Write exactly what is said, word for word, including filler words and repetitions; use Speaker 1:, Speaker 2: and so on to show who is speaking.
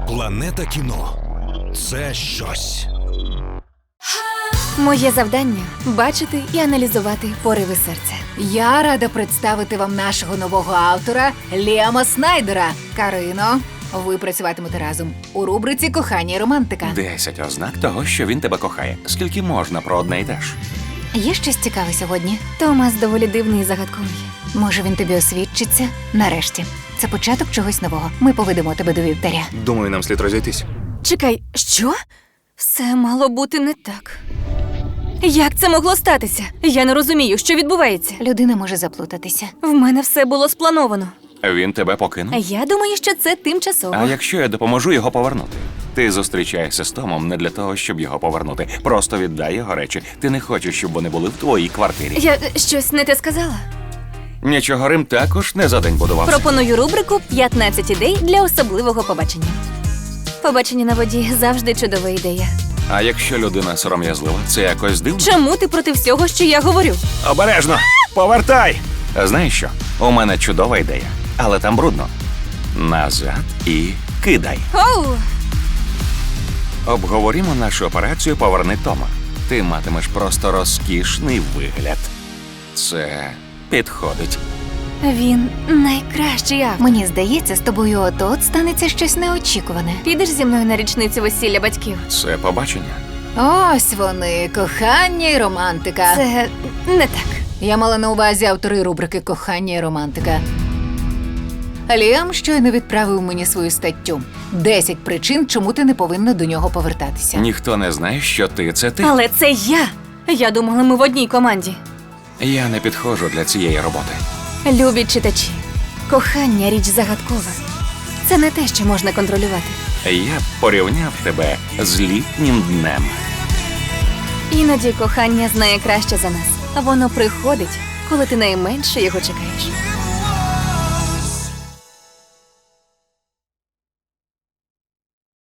Speaker 1: Планета кіно – це щось.
Speaker 2: Моє завдання – бачити і аналізувати пориви серця.
Speaker 3: Я рада представити вам нашого нового автора Ліама Снайдера. Карино, ви працюватимете разом у рубриці «Кохання і романтика».
Speaker 4: Десять ознак того, що він тебе кохає. Скільки можна про одне й те ж?
Speaker 2: Є щось цікаве сьогодні? Томас доволі дивний і загадковий. Може, він тобі освідчиться? Нарешті. Це початок чогось нового. Ми поведемо тебе до вівтаря.
Speaker 5: Думаю, нам слід розійтись.
Speaker 2: Чекай, що? Все мало бути не так. Як це могло статися? Я не розумію, що відбувається. Людина може заплутатися. В мене все було сплановано.
Speaker 4: Він тебе покинув?
Speaker 2: Я думаю, що це тимчасово.
Speaker 4: А якщо я допоможу його повернути? Ти зустрічаєшся з Томом не для того, щоб його повернути. Просто віддай його речі. Ти не хочеш, щоб вони були в твоїй квартирі.
Speaker 2: Я щось не те сказала?
Speaker 4: Нічого, Рим також не за день будувався.
Speaker 2: Пропоную рубрику «п'ятнадцять ідей для особливого побачення». Побачення на воді завжди чудова ідея.
Speaker 4: А якщо людина сором'язлива, це якось дивно?
Speaker 2: Чому ти проти всього, що я говорю?
Speaker 4: Обережно! Повертай! Знаєш що? У мене чудова ідея. Але там брудно. Назад і кидай.
Speaker 2: Оу!
Speaker 4: Обговорімо нашу операцію «Поверни Тома». Ти матимеш просто розкішний вигляд. Це підходить.
Speaker 2: Він найкращий автор. Мені здається, з тобою от-от станеться щось неочікуване. Підеш зі мною на річницю весілля батьків?
Speaker 4: Це побачення.
Speaker 3: Ось вони, кохання і романтика.
Speaker 2: Це не так.
Speaker 3: Я мала на увазі автори рубрики «Кохання і романтика». Ліам щойно відправив мені свою статтю. Десять причин, чому ти не повинна до нього повертатися.
Speaker 4: Ніхто не знає, що ти – це ти.
Speaker 2: Але це я. Я думала, ми в одній команді.
Speaker 4: Я не підходжу для цієї роботи.
Speaker 2: Любі читачі, кохання – річ загадкова. Це не те, що можна контролювати.
Speaker 4: Я б порівняв тебе з літнім днем.
Speaker 2: Іноді кохання знає краще за нас. Воно приходить, коли ти найменше його чекаєш.